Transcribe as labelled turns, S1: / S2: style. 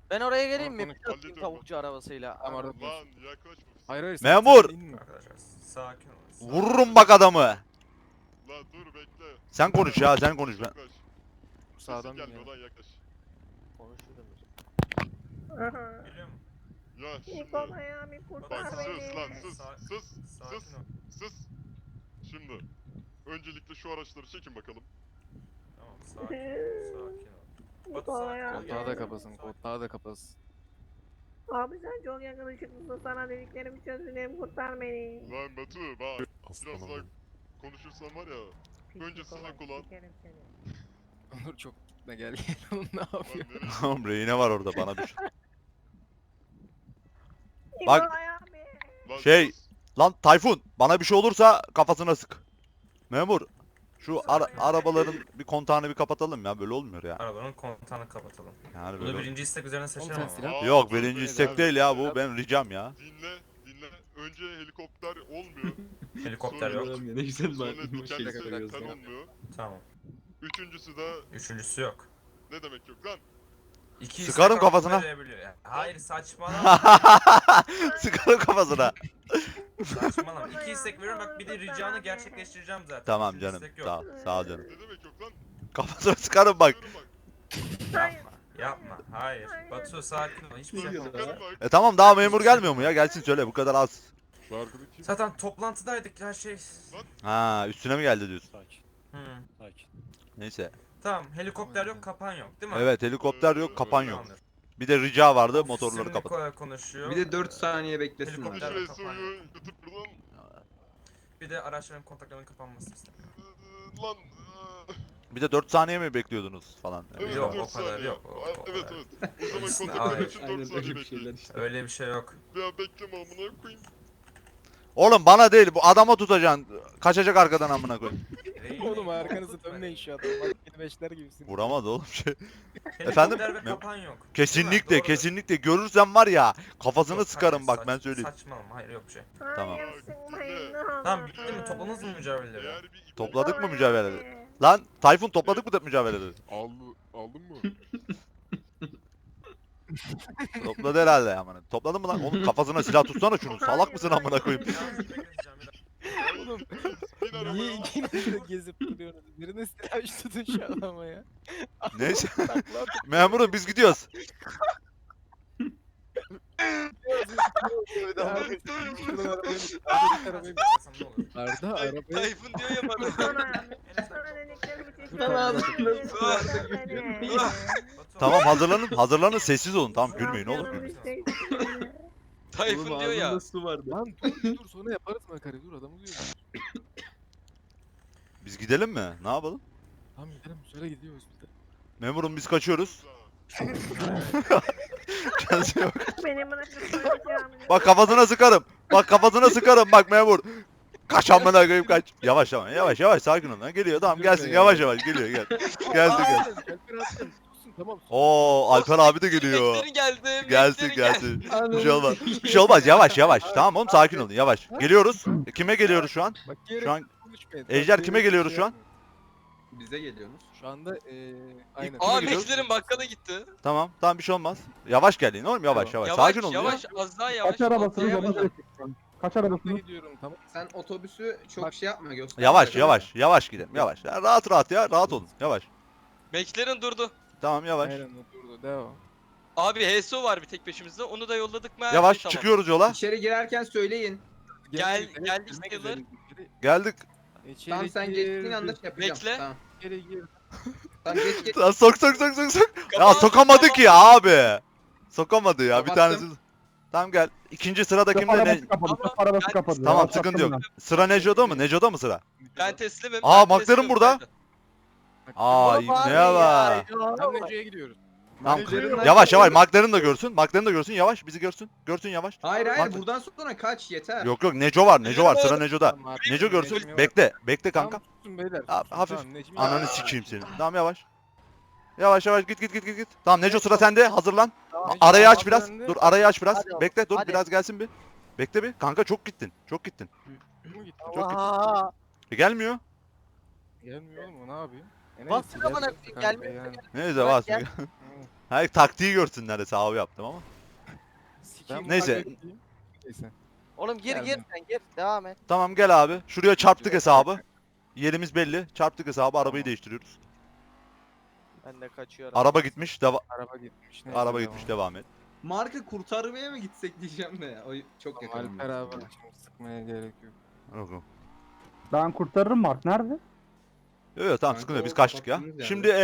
S1: Ben oraya geleyim mi?
S2: Tamam,
S1: Bir atayım
S3: hallediyorum
S1: tavukçu arabasıyla.
S2: Tamam, arada-
S3: Lan yaklaşma.
S2: Hayır hayır.
S4: Memur!
S2: sen inme.
S5: Arkadaşlar sakin olun.
S4: Vururum bak adamı.
S3: Lan dur bekle.
S4: Sen konuş ya, sen konuş ben.
S3: Yaklaş. Sesin
S2: Sağdan
S3: gelmiyor
S2: ya.
S3: lan yaklaş.
S1: Konuşurum.
S5: Geliyor mu?
S3: Ya şimdi.
S6: Nikolay abi
S3: Bak
S6: kurtar
S3: sus
S6: beni.
S3: lan sus. Sus.
S5: Sakin
S3: Sus.
S5: ol.
S3: Sus. Şimdi. Öncelikle şu araçları çekin bakalım.
S5: Tamam sakin ol.
S6: Nikolay abi.
S2: Koltuğa da kapasın, koltuğa da kapasın.
S6: Abi sen çok yakışıklısın. Sana dediklerimi çözüleyim kurtar beni.
S3: Lan Batu bak. Biraz
S2: Aslanım
S3: daha
S2: benim.
S3: konuşursan var ya. Önce
S6: Nikolay,
S3: sana kulağın.
S6: sikerim seni.
S2: Onur çok ne gel gel oğlum ne
S3: Lan
S2: yapıyor?
S3: nereye?
S4: Tamam rehine var orada bana düş. Bak-
S6: Nikolay abi.
S3: Lan
S4: Şey-
S3: sus.
S4: Lan Tayfun bana bir şey olursa kafasına sık. Memur şu arabaların bir kontağını bir kapatalım ya, böyle olmuyor ya.
S5: Arabanın kontağını kapatalım.
S4: Yani
S5: Bunu
S4: böyle.
S5: birinci istek üzerine seçelim
S2: sen
S5: ama.
S2: silah-
S4: Yok
S3: dur,
S4: birinci
S3: dur,
S4: istek
S3: dur.
S4: değil ya bu, benim ricam ya.
S3: Dinle. Önce helikopter olmuyor.
S5: Helikopter yok.
S7: Ne güzel
S3: Sonra
S7: var.
S3: dikenli
S2: şeyle
S3: sekten
S2: koyuyorsun.
S3: olmuyor.
S5: Tamam.
S3: Üçüncüsü de
S5: Üçüncüsü yok.
S3: ne demek yok lan?
S5: İki
S4: Sıkarım
S5: istek
S4: kafasına.
S5: hakkı verebiliyor. Yani hayır saçmalama.
S4: Sıkarım kafasına.
S5: Saçmalama. İki istek veriyorum bak bir de ricanı gerçekleştireceğim zaten.
S4: Tamam
S5: Üçüncü
S4: canım,
S5: istek yok.
S4: sağ ol canım.
S3: Ne demek yok lan?
S4: Kafasına sıkarım bak.
S3: Diyorum bak.
S6: Hayır.
S5: Yapma. Hayır.
S6: Hayır.
S5: Batu sakin ol. Hiçbir şey yapma.
S3: Sıkarım bak.
S4: Tamam, daha memur gelmiyor mu ya? Gelsin söyle, bu kadar az.
S3: Şu arkadaki kim?
S5: Zaten toplantıdaydık her şey.
S4: Ha, üstüne mi geldi diyorsun?
S2: Sakin,
S5: Hı.
S2: sakin.
S4: Neyse.
S5: Tamam helikopter yok kapan yok değil mi?
S4: Evet, helikopter yok, kapan yok.
S5: Tamamdır.
S4: Bir de rica vardı,
S5: Ofisim
S4: motorları kapat.
S5: Nikolay konuşuyor.
S7: Bir de 4 saniye beklesinler.
S5: Helikopter
S3: Şuraya
S5: kapan
S3: soyu
S5: yok.
S3: yutup buradan.
S5: Bir de araçların kontaklarının kapanmasını istemiyorum.
S3: Lan.
S4: Bir de 4 saniye mi bekliyordunuz falan.
S3: Evet,
S5: Yok,
S3: 4
S5: o kadar
S3: saniye.
S5: yok, o
S3: Evet
S5: kadar.
S3: evet. O zaman
S5: Hayır.
S3: kontaklar için 4
S7: Aynen
S3: saniye
S7: öyle bir şeyler
S3: bekleyin.
S7: işte.
S5: Öyle bir şey yok.
S3: Ya bekleme amına koyayım.
S4: Oğlum bana değil, bu adama tutacaksın. Kaçacak arkadan amına koy.
S2: Oğlum arkanızı dönmeyin şu adam. Bak yeni beşler gibisin.
S4: Vuramaz oğlum şey.
S5: Helikopter
S4: Efendim?
S5: ve kapan yok.
S4: Kesinlikle,
S5: Değil mi? Doğru.
S4: kesinlikle görürsem var ya, kafasını
S5: Yok,
S4: sıkarım
S5: hayır,
S4: bak, ben söyleyeyim.
S5: Saçmalama hayır yok bir şey.
S4: Tamam.
S6: Hayır sıkmayın ne olur.
S5: Tamam bitti mi? Topladınız mı mücadeleleri?
S3: Eğer bir iptal-
S4: Topladık mı
S6: Nikolay
S4: mücadeleleri?
S6: abi.
S4: Lan Tayfun, topladık mı mücadeleleri?
S3: Aldın mı?
S4: Topladı herhalde amına. Topladın mı lan? Oğlum kafasına silah tutsana şunu. Salak mısın amına koyayım?
S5: Yalnız bir bekleyeceğim, bir dakika.
S2: Oğlum
S3: Bin arabaya.
S2: niye ikiniz de gezip duruyorsunuz? Birine silah tutun şu adama ya.
S4: Neyse.
S2: Takla
S4: Memurum biz gidiyoruz.
S2: Arda arabayı
S8: Tayfun diyor ya bana.
S6: Nikolay abi. Sana dediklerimi
S2: Tamam.
S6: çözüleyim kurtar beni.
S5: Batu,
S4: Tamam, hazırlanın, sessiz olun. Tamam, gülmeyin oğlum.
S6: Canım
S4: Gülmeyin.
S6: isteydi.
S8: Tayfun diyor ya.
S7: Su vardı.
S2: Lan dur sonra yaparız makarayı, dur adamı duyuyor.
S4: Biz gidelim mi? Ne yapalım?
S2: Tamam gidelim, söyle gidiyoruz bir de.
S4: Memurum biz kaçıyoruz. Kendisi yok.
S6: Beni bırakıp söyleyeceğim.
S4: Bak kafasına sıkarım. Bak kafasına sıkarım bak memur. Kaç amına koyayım kaç. Yavaş ama yavaş sakin ol lan. Geliyor tamam, gelsin yavaş geliyor gel. Gelsin.
S2: Alper attım. Tutsun tamam.
S4: Oo Alper abi de geliyor.
S8: Beklerin geldi.
S4: Gelsin. Bir şey olmaz. Bir şey olmaz, yavaş. Tamam oğlum, sakin olun, yavaş. Geliyoruz. Kime geliyoruz şu an?
S2: Bak
S4: Şu an
S2: konuşmayın.
S4: Ejder
S2: Bak,
S4: kime geliyoruz şu an?
S7: Bize geliyorsunuz.
S2: Şu anda aynen.
S8: Aa
S4: gidiyoruz?
S8: Meklerin bakkala gitti.
S4: Tamam bir şey olmaz. Yavaş gelin oğlum, yavaş. Sakin olun ya.
S8: Yavaş az daha yavaş.
S9: Kaç arabasınız ona
S8: Atlayamadım.
S9: göre çekeceğim. Kaç
S2: Arabasına
S9: arabasınız?
S2: gidiyorum tamam.
S7: Sen otobüsü çok
S2: Bak-
S7: şey yapma göster.
S4: Yavaş gidelim, yavaş. Ya, rahat ya, rahat olun, yavaş.
S8: Meklerin durdu.
S4: Tamam yavaş.
S2: Aynen o durdu devam.
S8: Abi HSO var bir tek peşimizde. Onu da yolladık mı? her
S4: Yavaş
S8: şey tamam.
S4: çıkıyoruz yola.
S7: İçeri girerken söyleyin.
S8: Geldik
S2: Girmek
S8: sayılır.
S2: üzereyiz.
S4: Geldik.
S2: İçeri
S7: Tamam sen geçtiğin anda
S2: girdik.
S7: şey yapacağım.
S8: Bekle.
S7: Tamam.
S2: İçeri gir.
S7: Tamam geç.
S4: Lan sok. Ya
S8: Kapat,
S4: sokamadı
S8: kapat.
S4: ki abi. Sokamadı ya, bir
S7: Kapattım.
S4: tanesi. Tamam gel. İkinci sırada
S9: Çöp
S4: kimde ne?
S9: arabası kapadı.
S8: Ama
S9: Çöp arabası
S8: ben-
S9: kapadı.
S4: Tamam
S9: Yavaş
S4: sıkıntı
S9: yaptım
S4: yok.
S9: ben.
S4: Sıra Neco'da mı? Neco'da mı sıra?
S8: Ben teslimim.
S4: Aa,
S8: ben
S4: McLaren
S8: teslimim
S4: burada.
S8: zaten.
S4: Aa ne var?
S2: Tam Nece'ye gidiyoruz.
S4: Tamam.
S7: McLaren'dan
S4: Yavaş
S7: kaçın.
S4: McLaren da görsün. McLaren da görsün yavaş. Bizi görsün. Görsün yavaş.
S7: Hayır
S4: Bak-
S7: buradan sonra kaç yeter.
S4: Yok Neco var. Sıra Neco'da.
S2: Tamam,
S4: Neco görsün.
S2: Necmi var.
S4: Bekle kanka.
S2: Tamam, tutsun beyler.
S4: Abi,
S2: tutsun,
S4: hafif.
S2: tamam, Necmi
S4: Ananı
S2: var.
S4: sikeyim seni. Tamam yavaş. Yavaş git. Tamam Neco sıra sende. Hazırlan.
S2: Tamam, Necmi
S4: Arayı
S2: var,
S4: aç biraz.
S2: bende.
S4: Dur arayı aç biraz.
S1: Hadi oğlum,
S4: Bekle dur
S1: hadi.
S4: biraz gelsin bir. Bekle bir. Kanka çok gittin.
S2: Kim gitti?
S4: Çok
S1: Aa,
S4: Gelmiyor.
S2: Gelmiyor oğlum o ne yapıyor?
S1: Bastır amına koyayım, gelmiyor.
S2: Yani.
S4: Neyse
S1: Bak
S4: bas.
S1: gel.
S4: Hayır taktiği görsünler hesabı yaptım ama.
S2: Ben
S4: Neyse.
S2: kaybedeyim. Neyse.
S1: Oğlum gir
S2: Geldim.
S1: sen gir. Devam et.
S4: Tamam gel abi. Şuraya çarptık hesabı. Yerimiz belli. Çarptık hesabı. Arabayı
S2: Tamam.
S4: değiştiriyoruz.
S1: Ben de kaçıyorum.
S4: Araba gitmiş.
S2: Araba gitmiş. Neyse,
S4: Araba gitmiş. Devam et.
S7: Marka kurtarmaya mı gitsek diyeceğim de ya. O çok
S2: Tamam,
S7: yakın.
S2: Alper abi şimdi sıkmaya gerek yok.
S4: Yok yok.
S9: Ben kurtarırım Mark nerede?
S4: Yok yok tamam
S7: Kanka,
S4: sıkıntı yok. Biz
S7: o
S4: kaçtık ya.
S7: kapattığımız yerde.
S4: Şimdi